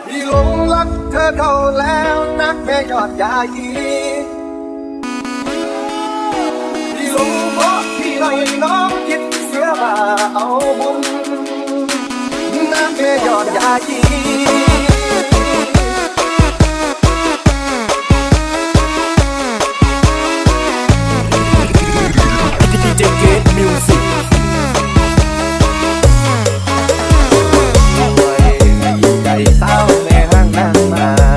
พี่หลงรักเธอเข้าแล้วนักแม่ยอดยายีพี่หลงเพราะพี่หน่อยน้องคิดเสียว่าเอาบุญนักแม่ยอดยายีDJ Gate Music ใจเศร้าแม่ห้างนั่งมา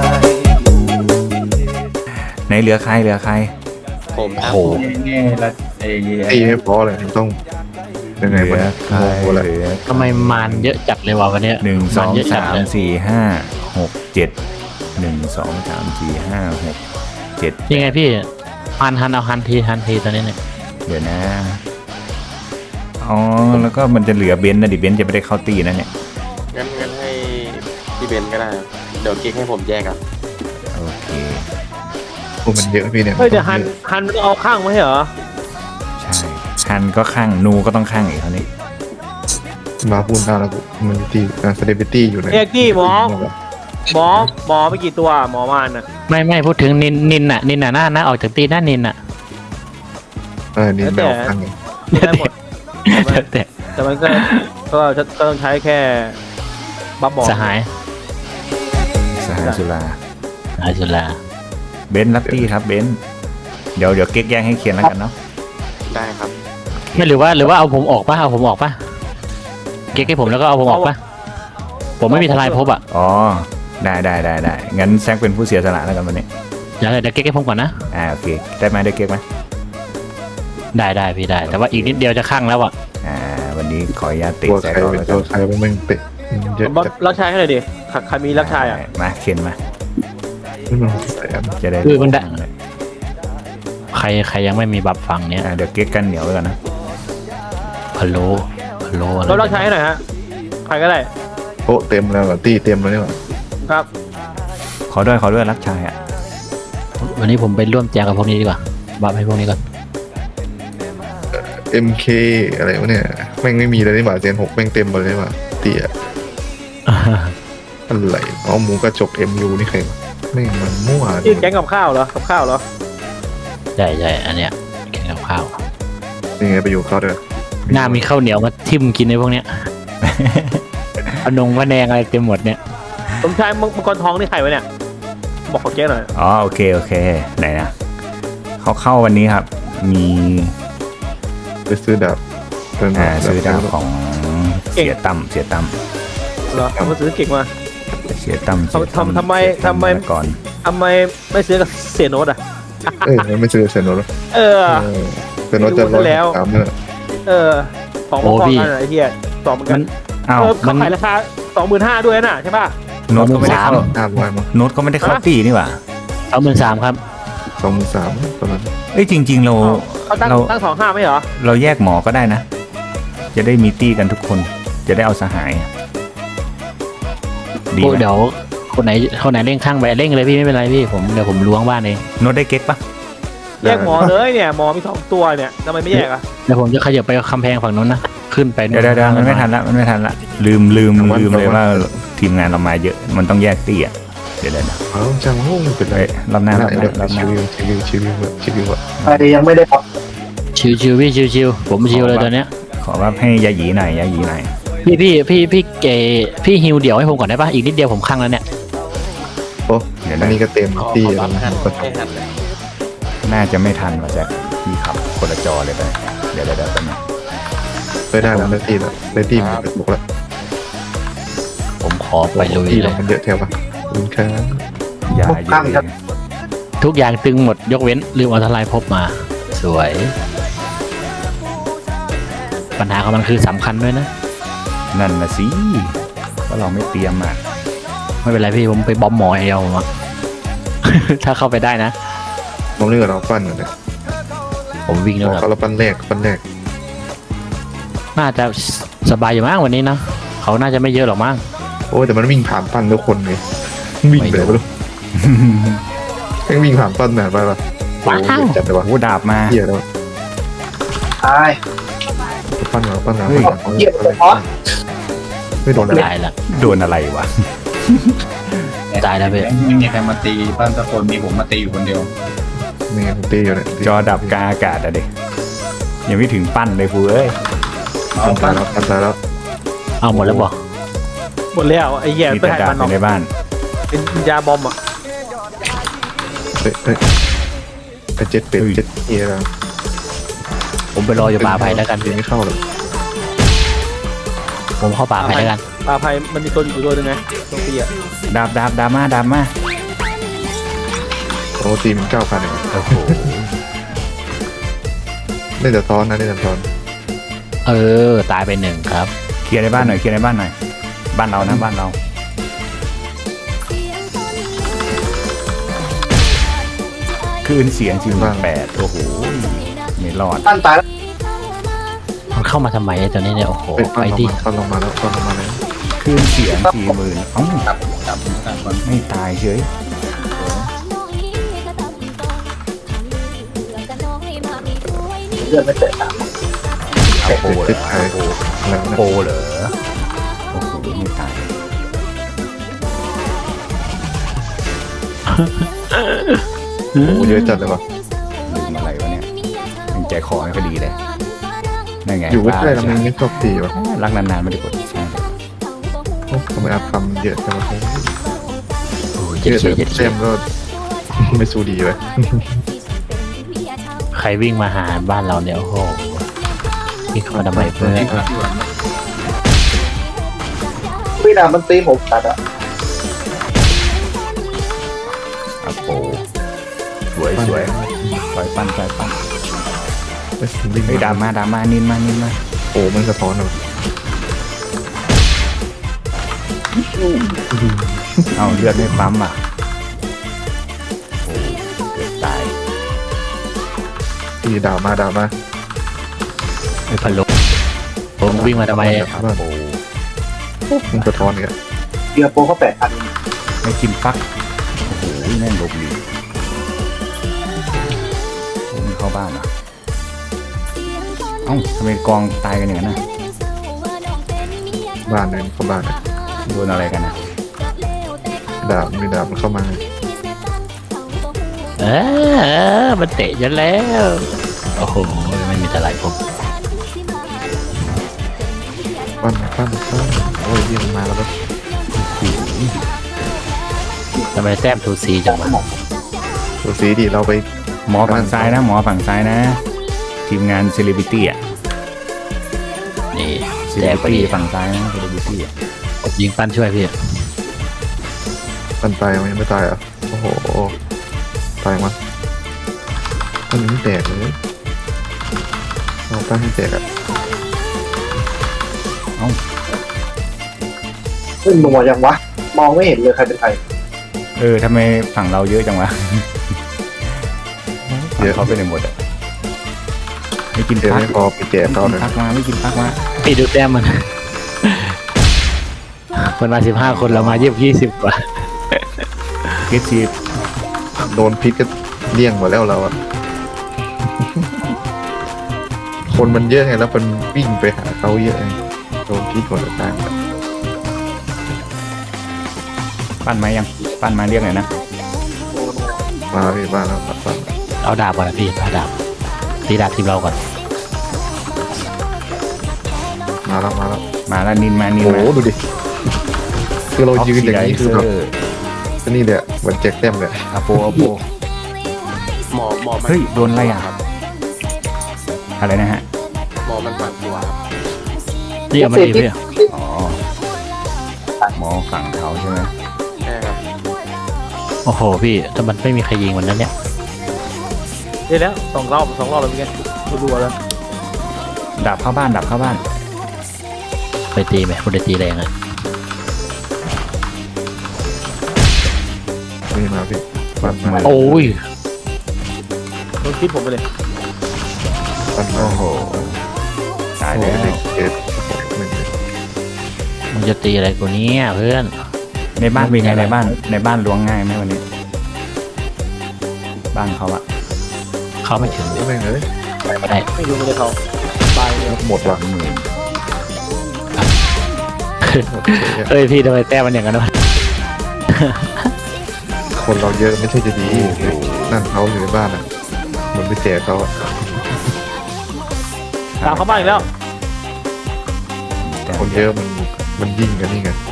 ไหนเหลือใครผมโอ้โหนี่แล้วตีไม่พอเลยต้องยังไงเหลืวะอเนี่ยใครโอ้โหเลยเหลือทำไมมารเยอะจัดเลยวะวันเนี้ยหนึ่งสองเยอะจัสาดมเลยสี่ห้าหกเจ็ด1 2 3 4 5 6 7 ยังไงพี่ฮันเอาฮันทีตอนนี้เนี่ยเดี๋ยวนะอ๋อแล้วก็มันจะเหลือเบนซ์นะดิเบนซ์จะไม่ได้เข้าตีนะเนี่ยงั้นให้พี่เบนก็ได้ดี๋ยวกิ๊กให้ผมแยกอ่ะโอเคพวกมันเยอะพี่เนี่ยเฮ้ยเดี๋ยวฮันมันเอาข้างมาให้เหรอใช่ฮันก็ข้างนูก็ต้องข้างอีกคราวนี้มาพูดหน้าแล้วกูมันตีเซเลบริตี้อยู่ในเอกกี้หมอไปกี่ตัวหมอมานน่ะไม่พูดถึงนินน่ะหน้าออกจากตีหน้านินน่ะนี่ไม่เอาข้างเลยได้หมดแต่แต่มันก็ต้องใช้แค่บัฟบอลสหายสหายสุราสุราเบนซ์รับตี้ครับเบนซ์เดี๋ยวเก๊กแย่งให้เขียนแล้วกันเนาะได้ครับไม่หรือว่าเอาผมออกป่ะเก๊กให้ผมแล้วก็เอาผมออกป่ะผมไม่มีทลายภพอ่ะอ๋อได้งั้นแซกเป็นผู้เสียสละแล้วกันวันนี้เดี๋ยวเก๊กให้ผมก่อนนะโอเคได้ไหมได้เก๊กไหมได้พี่ได้แต่ว่าอีกนิดเดียวจะข้างแล้วอ่ะวันนี้ขออนุญาตเตะตัวแซกใครก่อนเป็นแล้วตักัวน ใครมันไม่เตะเยอะจัดรักชายให้หน่อยดิใครมีรักชายอ่ะมาเข็นมาไม่มันใส่อันจะได้คือมันได้ใครยังไม่มีบัฟฟังเนี้ยเดี๋ยวเก๊กกันเหนียวไว้ก่อนนะพะโล้อะไรเรารักชายให้หน่อยฮะใครก็ได้โต๊ะเต็มแล้วเหรอตีเต็มแล้วเนี่ยเหรอครับขอด้วยรักชายอ่ะวันนี้ผมไปร่วมแจกกับพวกนี้ดีกว่าบัฟให้พวกนี้ก่อน MK อะไรวะเนี่ยแม่งไม่มีเลยนี่หว่าเซน6แม่งเต็มหมดเลยว่ะตีอะอะไรอ๋อหมูกระจก MU นี่ใครวะแม่งมันมั่วชื่อแก๊งกับข้าวเหรอกับข้าวเหรอใช่อันเนี้ยแข่งกับข้าวยังไงไปอยู่เขาด้วยหน้ามีข้าวเหนียวมาทิ่มกินในพวกเนี้ย อนงว่าแดงอะไรเต็มหมดเนี่ยสมชายมังกรทองนี่ใครวะเนี่ยบอกขอแก๊งหน่อยอ๋อโอเคไหนนะเขาเข้าวันนี้ครับ มีไปซื้อดาบซื้อดาวของเสียตั้มเหรอมาซื้อเก่งมา ทำไมก่อนทำไมไม่ซื้อกับเสียโนตอ่ะไม่ซื้อเซนโนแล้วเออเซนโนจะ103เนี่ยของมังกรกันไอ้เหี้ยสองเหมือนกันอ้าวเขาขายราคา 25,000ด้วยน่ะใช่ป่ะโน้ตก็ไม่ได้เข้าตามไว้มั้งโน้ตก็ไม่ได้เข้าตีนี่หว่า 23,000ครับ 23,000ประมาณเอ้ยจริงๆเราเขาตั้ง25ไม่เหรอเราแยกหมอก็ได้นะ จะได้มีตีกันทุกคนจะได้เอาสหายดีไหมเดี๋ยวคนไหนเร่งข้างไปเร่งเลยพี่ไม่เป็นไรพี่เดี๋ยวผมล้วงบ้านเองโน้ตได้เก๊กปะแยกหมอเลยเนี่ยหมอมี2ตัวเนี่ยทำไมไม่แยกอ่ะเดี๋ยวผมจะขยับไปคำแพงฝั่งนู้นนะขึ้นไปเดี๋ยวมันไม่ทันละลืมเลยว่าทีมงานเรามาเยอะมันต้องแยกตีอ่ะเดี๋ยวนะเอาจังโอ้เป็นไรรอบหน้าชีวิวอะใครยังไม่ได้พักชิวพี่ชิวผมชิวเลยตอนเนี้ยขอว่าให้ยาหยีหน่อยพี่ฮิวเดี่ยวให้ผมก่อนได้ปะอีกนิดเดียวผมข้างแล้วเนี่ยโอ้อันนี้ก็เต็มขอตีบัแล้วฟหันก็ให้หันเลยน่าจะไม่ทันว่ะแจ็คพี่ขับคนละจอเลยไปเดี๋ยวแป๊บนึงได้แล้วได้ตีแล้วได้ตีมันกระตุกแล้วผมขอไปลุยตีเลเรายมันเยอะแถวปะคุณครับยาเยอะทุกอย่างตึงหมดยกเว้นลืมเอาทลายภพมาสวย ปัญหาของมันคือสำคัญด้วยนะนั่นนะสิว่าเราไม่เตรียมอ่ะไม่เป็นไรพี่ผมไปบอมหมออย่างเดียวผมอะ ถ้าเข้าไปได้นะน้องเลือกเราปั้นก่อนเนี่ยผมวิ่งแล้วเขาเราปั้นแรกน่าจะสบายอยู่มั้งวันนี้นะเขาน่าจะไม่เยอะหรอกมั้งโอ้แต่มันวิ่งผ่านปั้นทุกคนไงวิ่งไปไหนไม่รู้แม่งวิ่งผ่านปั้นไหนไปปะโอ้จัดเลยวะโอ้ดาบมาเหี้ยแล้วตายปั้นเราไม่โดนตายละโดนอะไรวะตายแล้วพี่ไม่มีใครมาตีบ้านตะคนมีผมมาตีอยู่คนเดียวนี่ไงผมตีอยู่เนี่ยจอดับกลางอากาศอะเด็กยังไม่ถึงปั้นเลยฟูเอ้ยปั้นตายแล้วปั้นตายแล้วเอาหมดแล้วบอกหมดแล้วไอ้แย่มีไปแต่ให้ดับมันอยู่ในบ้านเป็นยาบอมอ่ะเฮ้ยไอ้เจ็ดเป็ดเจ็ดเอียแล้วผมไปรออยู่ป่าไผ่แล้วกันยิงไม่เข้าเลยผมเข้าป่าไผ่แล้วกันปลาไผ่มันมีตัวอยู่ตัวนึงไงตรงปีอ่ะดับมาโอ้ตีมัน9,000เองโอ้โหเล่นแต่ซ้อนนะเล่นแต่ซ้อนตายไปหนึ่งครับเคลียร์ในบ้านหน่อยบ้านเรานะบ้านเราคลื่นเสียง48โอ้โหไม่รอดปั้นตายแล้วมันเข้ามาทำไมไอ้ตัวนี้เนี่ยโอ้โหเป็นไปดิปั้นลงมาแล้วปั้นลงมาแล้วคลื่นเสียง40,000เอ้าจับคนไม่ตายเฉยเลือดไม่เตะตามเอาโปเหรเจ็ดอไทยอะไรนะโปเหรอโอ้โหไม่ตายโอ้เยอะจัดเลยว่ะลืมอะไรวะเนี่ยยังใจคอไม่ค่อยดีเลยนั่นไงอยู่ใกล้ๆแล้วมันไม่ชอบตีว่ะรักนานๆไม่ได้กดใช่ทำไมอาทำเยอะจังวะโอ้ยเยเจ็ดอะเฉียแต่เจ็ดเซเฉียมก็ไม่สู้ดีเลยใครวิ่งมาหาบ้านเราเนี่ยโอ้โหวิ่งเข้ามาทำไมเพื่อนที่พักอยู่พี่นามันตีผมตัดอ่ะเอาโปสวยปล่อยปั้นเอ้ยวิ่งเฮ้ยดราม่านินมาโอ้มันสะท้อนเลยเอาเลือดไม่ปั๊มอ่ะโอ้เกือบตายตีด่ามาไอ้พันลมผมวิ่งมาทำไมโอ้มันสะท้อนเนี่ยเดือโปเขา8,000 ไม่กินฟักโอ้โหแม่งหลบหลีกโอ้มันเข้าบ้านอ่ะเอ้าทำไมกองตายกันอย่างนั้นนะบ้านเลยเข้าบ้านเลยโดนอะไรกันนะด่ามีด่ามันเข้ามามันเตะฉันแล้วโอ้โหไม่มีอะไรผมปั้นโอ้ยยิงมาแล้วก็ทำไมแต้มทูซีจังวะตัวสีดีเราไปหมอฝั่งซ้ายนะทีมงานเซเลบริตี้อ่ะนี่เซเลแต้บมริพอตี้ดีฝั่งซ้ายนะเซเลบริตี้อ่ะผมยิงปั้นช่วยพี่ปั้นตายมันยังไม่ตายอ่ะโอ้โหตายมั้ยปั้นยังไม่แตกเลยเราปั้นให้แตกอ่ะขึ้นมัวยังวะ มองไม่เห็นเลยใครเป็นใครทำไมฝั่งเราเยอะจังวะฝั่งเขาไปไหนหมดอ่ะไม่กินเดี๋ยวพักไม่พอไปแจกเขาเลยไม่กินพักมาพี่ดูแต้มมัน มันมา15 คนเรามา20 กว่าเกซีโดนพิษก็เลี่ยงหมดแล้วเราอ่ะ คนมันเยอะไงแล้วมันวิ่งไปหาเขาเยอะไงโดนพิษหมดแล้วตายปั้นไม้เรียกหน่อยนะมาพี่บ้านแล้วปั้นเอาดาบก่อนนะพี่เอาดาบตีดาบทีมเราก่อนมาแล้วมาแล้วนินมาโอ้โหดูดิคือเรายืนอย่างนี้คือแบบอนี่เนี่ยเหมือนแจกแต้มเลยโปหมอมันเฮ้ยโดนอะไรอ่ะอะไรนะฮะหมอมัน3 ตัวครับนี่เอามาดีพี่อ๋อหมอฝั่งเขาใช่ไหมใช่ครับโอ้โหพี่แต่มันไม่มีใครยิงมันนั้นเนี่ยได้แล้ว2 รอบแล้วเป็นไงรัวๆแล้วดับเข้าบ้านไปตีไหมคุณได้ตีแรงอ่ะนี่มาพี่ปั้นมาโอ้ยโดนคิดผมไปเลยปั้นมาโอ้โหตายแล้วเจ็ดหนึ่งมันจะตีอะไรกูเนี้เพื่อนในบ้านเป็นไงในบ้านล้วงง่ายไหมวันนี้ บ้านเขาอะเข้าไม่ถึงแม่งเลยไม่ได้ไม่รู้เลยเขาตายเลยหมดว่ะหมื่นเฮ้ยพี่ทำไมแต้มมันอย่างนั้นวะคนเราเยอะไม่ใช่จะดีนั่นเขาอยู่ในบ้านอ่ะเหมันไปแจกเขาอะตามเขาบ้านอีกแล้วคนเยอะมันยิ่งกันนี่ไง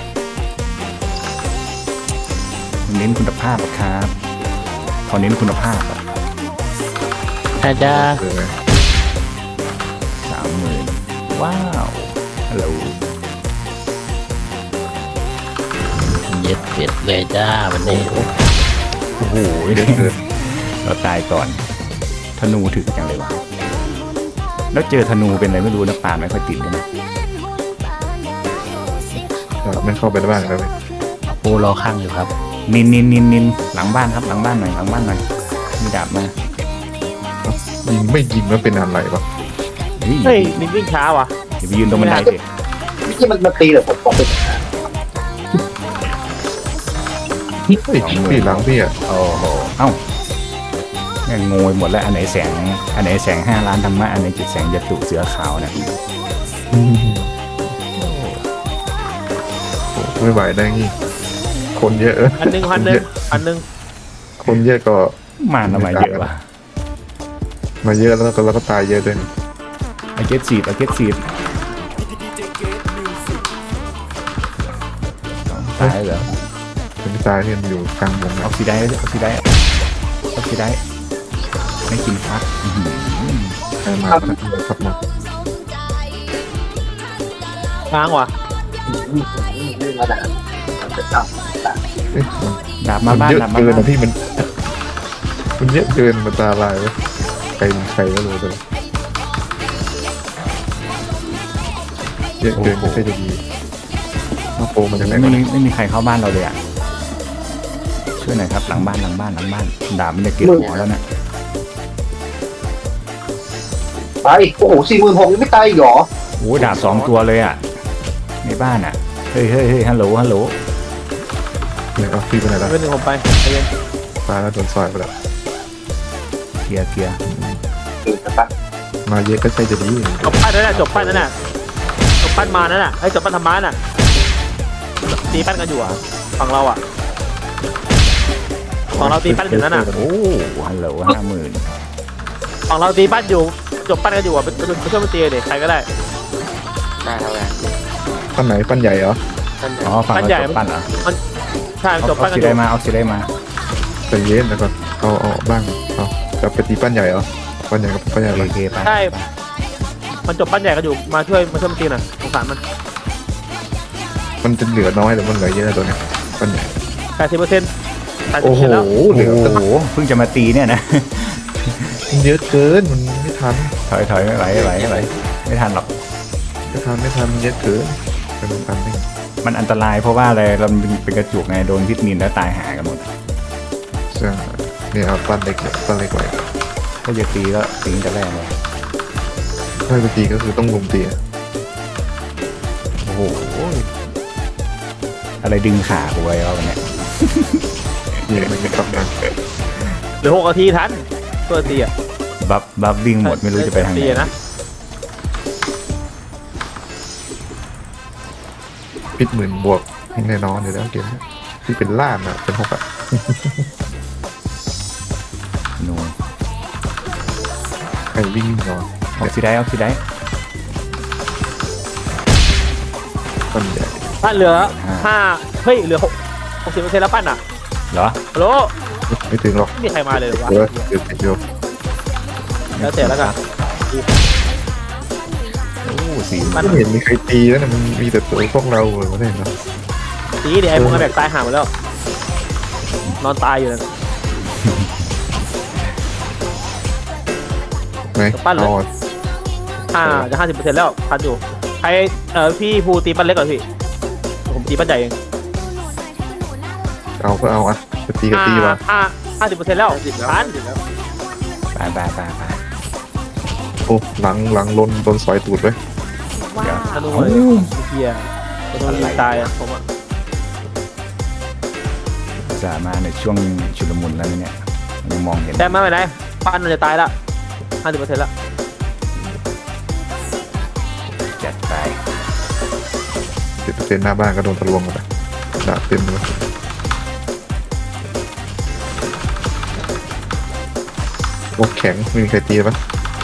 เน้นคุณภาพอะครับพอเน้นคุณภาพอะอาจจะคือไง 30,000ว้าวฮัลโหลเย็ดเป็ดเลยจ้าวันนี้โอ้โหเยอะเกินเราตายก่อนธนูถึกจังเลยวะแล้วเจอธนูเป็นอะไรไม่รู้นะปาไม่ค่อยติดเลยนะไม่เข้าไปในบ้านแล้วปูรอข้างอยู่ครับนินหลังบ้านครับหลังบ้านหน่อยหลังบ้านหน่อยมีดาบมายิงไม่ยิงแล้วเป็นอะไรปะเฮ้ยนินวิ่งช้าว่ะอย่าไปยืนตรงบันไดสิที่มันมาตีเลยผมบอกเลยเฮ้ยพี่หลังพี่อ่ะโอ้โหเอ้าแม่งงงหมดแล้วอันไหนแสง5 ล้านธรรมะอันไหนจิตแสงยตุเสือขาวนะไม่ไหวได้งี้คนเยอะพันหนึ่งคนเยอะก็มาทำไมเยอะวะมาเยอะแล้วก็ตายเยอะด้วยเอาเกตซีดตายเหรอเป็นตายที่มันอยู่กลางวงอนะอกซิไดไม่กินฟักอื้อหือใครมาครับมาค้างว่ะเอ๊ะดาบมาบ้านเยอะดาบมาเกินบ้านนะพี่มันเยอะเกินมันตาลายเลยใครก็รู้เลยเยอะเกินไม่ใช่จะดีมาโปมันจะไหนไม่มีใครเข้าบ้านเราเลยอ่ะช่วยหน่อยครับหลังบ้านดาบมันจะเก็บหัวแล้วนะไปโอ้โห46,000ยังไม่ตายอีกเหรอโอ้ดาบ2 ตัวเลยอ่ะในบ้านอ่ะเฮ้ยฮัลโหลเนี่ยเอาพี่ไปไหนละเป็นหนึ่งผมไปใจเย็นตายแล้วโดนซอยไปแล้วเคลียร์มาเยอะก็ใช่จะดีจบปั้นนั่นแหละจบปั้นมานั่นน่ะให้จบปั้นธรรมะน่ะตีปั้นกันอยู่อ่ะฝั่งเราอ่ะฝั่งเราตีปั้นอยู่นั่นน่ะโอ้ฮัลโหล50,000 ฝั่งเราตีปั้นอยู่จบปั้นกันอยู่อ่ะไปช่วยมันตีเด็กใครก็ได้ได้เท่าไหร่ปั้นไหนปั้นใหญ่เหรอท่านใหญ่อ๋อฝั่งเราจบปั้นเหรอใช่จบเอาปั้นกันสิอได้ยู่มาเอาสิได้มาใจเย็นแล้วก็เอาบ้างเอาจะไปตีปั้นใหญ่เหรอปั้นใหญ่กับปั้นใหญ่โอไปเคไปใช่มันจบปั้นใหญ่กันอยู่มาช่วยมันตีหน่อยสงสารมันมันจะเหลือน้อยหรือมันเหลือเยอะตัวเนี้ยปั้นใหญ่ 80% โอ้โหแล้วเหลือโอ้โหเพิ่งจะมาตีเนี่ยนะเยอะเกินมันไม่ทันถอยไม่ไหวไม่ทันหรอกไม่ทันเยอะเกินเป็นพันนี่มันอันตรายเพราะว่าอะไรเราเป็นกระจุกไงโดนพิษมินแล้วตายหากันหมดใช่เนี่ยเอาปั้นเล็กไว้ถ้าจะตีก็ตีตั้งแต่แรกเลยถ้าจะตีก็คือต้องลุมตีโอ้โหอะไรดึงขากูไว้แล้วเนี่ยเนี่ยมันกลับมาเหลือ6 นาทีทันตัวตีอ่ะบัฟวิ่งหมดไม่รู้จะไปทางไหตีนนะพิษหมื่นบวกแน่นอนอยู่แล้วเกมนี้ที่เป็นล้านอ่ะเป็น6อ่ะนูใครวิ่งนอนออกซิได้ปั้นใหญ่ปั้นเหลือ5เฮ้ยเหลือ60% แล้วปั้นอ่ะเหรอฮัลโหลไม่ถึงหรอกไม่มีใครมาเลยวะเดี๋ยวแล้วแต่แล้วกันโอ้สีปั้นไม่เห็นมีใครตีแล้วนะมันมีแต่ตัวพวกเราเหรอไม่เห็นหรอตีเดี๋ยวไอ้พวกนั้นแบกตายห่าหมดแล้วนอนตายอยู่นั่นไหนปั้นเลยอ๋อจะ 50% แล้วทันอยู่ใครพี่ภูตีปั้นเล็กก่อนพี่ผมตีปั้นใหญ่เองเอาก็เอาอ่ะจะตีก็ตีว่ะ 50% แล้วทันไปโอ้หลังลนโดนสอยตูดไว้ธนูเลยเฮียธนูยิงตายอ่ะผมอ่ะสามาในช่วงชุลมุนแล้วเนี่ยยังมองเห็นแต่ไม่เป็นไรปั้นมันจะตายละ 50% แล้วจัดไป 10%หน้าบ้านก็โดนทะลวงหมดเลยดาบเต็มเลยวกแข็งไม่มีใครตีปะ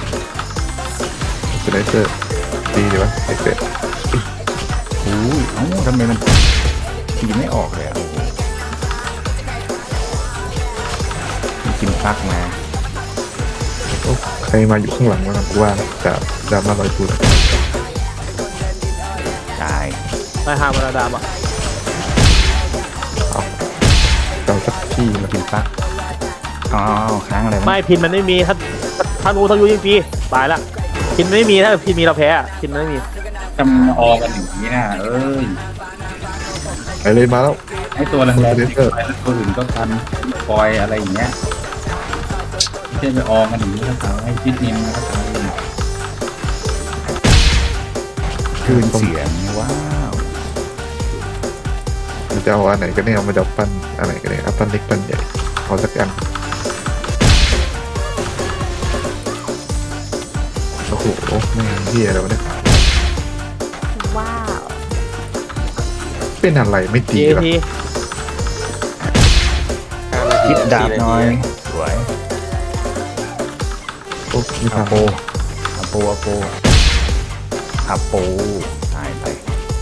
สไนเปอร์ตีดีปะไอเป็ดอุ้ยเอ้าทำไมมันตีไม่ออกเลยอ่ะมันกินฟักมาโอ้ใครมาอยู่ข้างหลังวะกูว่าจากดราม่าลอยตูนตายไปหามาราดามอ่ะเจ้าสักที่มัมานกินฟักอ๋อค้างอะไรไม่พินมันไม่มีถ้างูทั้งยูยิงปีตายละพินไม่มีถ้าพินมีเราแพ้อะพินมันไม่มีจำออกันอย่างนี้นะเอ้ยไปเลยมาแล้วให้ตัวแรงๆติดไปแล้วตัวอื่นก็ทันคอยอะไรอย่างเงี้ยไม่ใช่ไปออกันอย่างนี้นะครับให้พิษนินนะครับคืนเสียงว้าวมันจะเอาอันไหนก็ได้เอามาดับปั้นอันไหนก็ได้เอาปั้นเล็กปั้นใหญ่เอาสักอันโอ้โหแม่งเหี้ยแล้วะเนี่ยว้าวเป็นอะไรไม่ตีทีหรอทีคิดดาบหน่อยสวยโอ้ไม่อาทำโปอาโปอาโปอาโปตายไป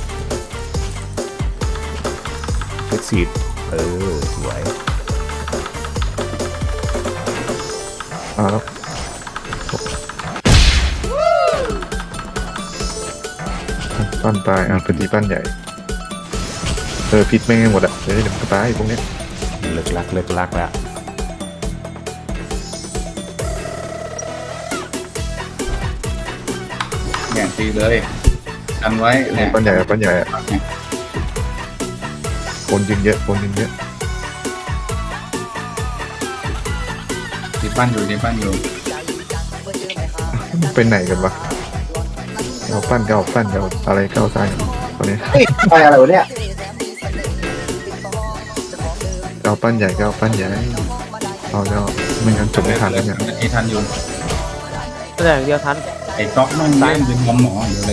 เช็ดสีดสวยมาแล้วปั้นตายเป็นตีปั้นใหญ่พิษแม่งให้หมดอ่ะเดี๋ยวมันก็ตายพวกเนี้ยเลิกลักแล้วเนี่ยตีเลยกันไว้เนี่ยปั้นใหญ่ปั้นใหญ่คนยิงเยอะคนยิงเยอะตีปั้นอยู่ตีปั้นอยู่ไปไหนกันวะเอาปั้นก็เอาปั้นก็เอาอะไรก็เอาซ้ายตอนนี้ไปอะไรวะเนี่ยเอาปั้นใหญ่ก็เอาปั้นใหญ่เอาก็ไม่งั้นจบไม่ทันแล้วเนี่ยที่ทันอยู่แต่อย่างเดียวทันไอ้ก๊อกมันเล่นเป็นหมออยู่เลย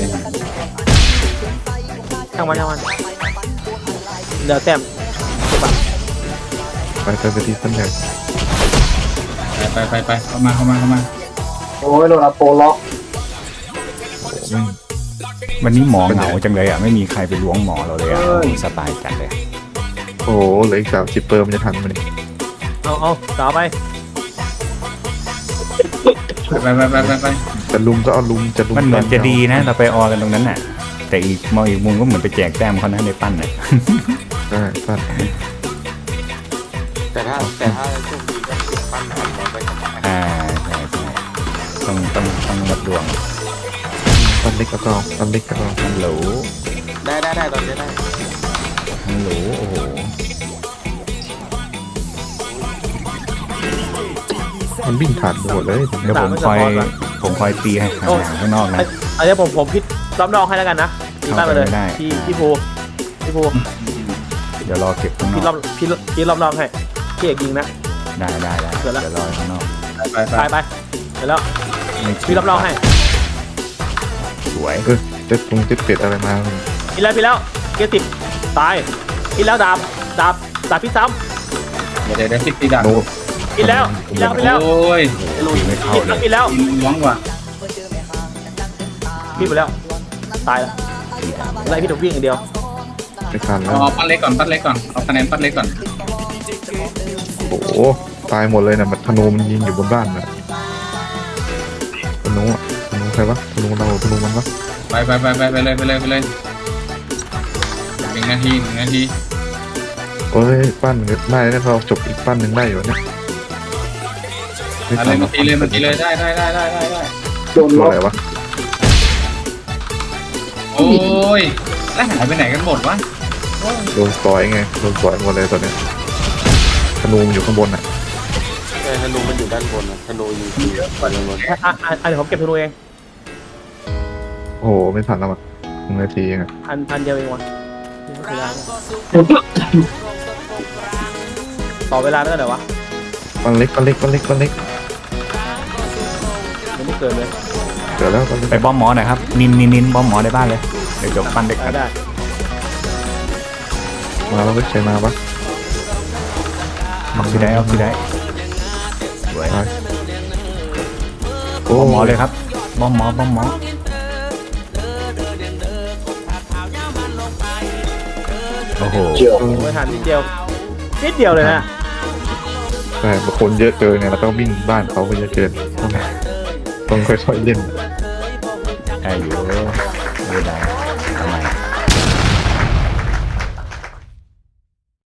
ช่างมันเดี๋ยวแต้มไปที่ปั้นใหญ่ไปเข้ามาโอ้ยโดนอาโปล็อกโอ้วันนี้หมอเหงาจังเลยอ่ะไม่มีใครไปล้วงหมอเราเลยอ่ะสบายจัดเลยโหเหลืออีก30เปอร์มันจะทันมันเอาต่อไปไปจะลุมก็เอาลุมจะลุมมันเหมือนจะดีนะเราไปออกันตรงนั้นน่ะ แต่อีกมองอีกมุมก็เหมือนไปแจกแต้มเขานะในปั้นน่ะใช่ปั้นแต่ถ้าโชคดีก็ติดปั้นทำมันไปทำไมใช่ต้องวัดดวงปั้นเล็กก็ต้องปั้นเล็กก็ต้องฮัลโหลได้ตอนนี้ได้ฮัลโหลโอ้โหมันวิ่งผ่านหมดเลยเดี๋ยวผมคอยตีให้ห่างๆข้างนอกนะอันนี้ผมพิดล้อมรองให้แล้วกันนะตีบ้านไปเลยไม่ได้พี่ภูเดี๋ยวรอเก็บข้างนพี่อกล้อมรองให้พี่เอกยิงนะได้เดี๋ยวละเดี๋ยวรอข้างนอกไปเดี๋ยวแล้วไม่พี่ล้อมรองให้สวยเจ็ดตรงเจ็ดเป็ดอะไรมาพี่แล้วเกียร์ติดตายพี่แล้วดาบพี่ซ้เดี๋ยวติดตีดักโนำพี่แล้วโอ้ยตีไม่เข้าเลยพี่แล้วล้วงว่ะพี่ไปแล้วตายแล้วตีดาบไล่พี่ถูกวิ่งอย่างเดียวไม่ทันแล้วเอาปั้นเล็กก่อนเอาคะแนนปั้นเล็กก่อนโอ้โหตายหมดเลยนะมันธนูมันยิงอยู่บนบ้านนะธนูใครวะธนูเราธนูมันวะไปเลย1 นาทีเอ้ยปั้นได้แล้วเราจบอีกปั้นหนึ่งได้อยู่เนี่ยอะไรมาตีเลยได้โดนตัวล็อกอะไรวะโอ้ยแล้วหายไปไหนกันหมดวะโดนสอยไงโดนสอยหมดเลยตอนเนี้ยธนูมันอยู่ข้างบนอ่ะแต่ธนูมันอยู่ด้านบนนะธนูอยู่ที่ด้านบนเดี๋ยวผมเก็บธนูเองโอ้โหไม่ทันแล้วอ่ะ1 นาทีเองอ่ะพันเดียวเองวะต่อเวลาได้เดี๋ยววะปั้นเล็กยังไม่เกินเลยเดี๋ยวแล้วปั้นเล็กไปบ้อมหมอหน่อยครับนินบ้อมหมอในบ้านเลยเดี๋ยวจบปั้นเด็กกันได้มาแล้วก็ใช้มาปะออกซิได้สวยไปโอ้บอมหมอเลยครับบอมหมอบอมหมอ โอ้โหไม่ทันนิดเดียวเลยนะแต่บางคนเยอะเกินไงแล้วก็วิ่งบ้านเขาก็เยอะเกินต้องค่อยๆเล่นได้อยู่ไม่ได้ทำไม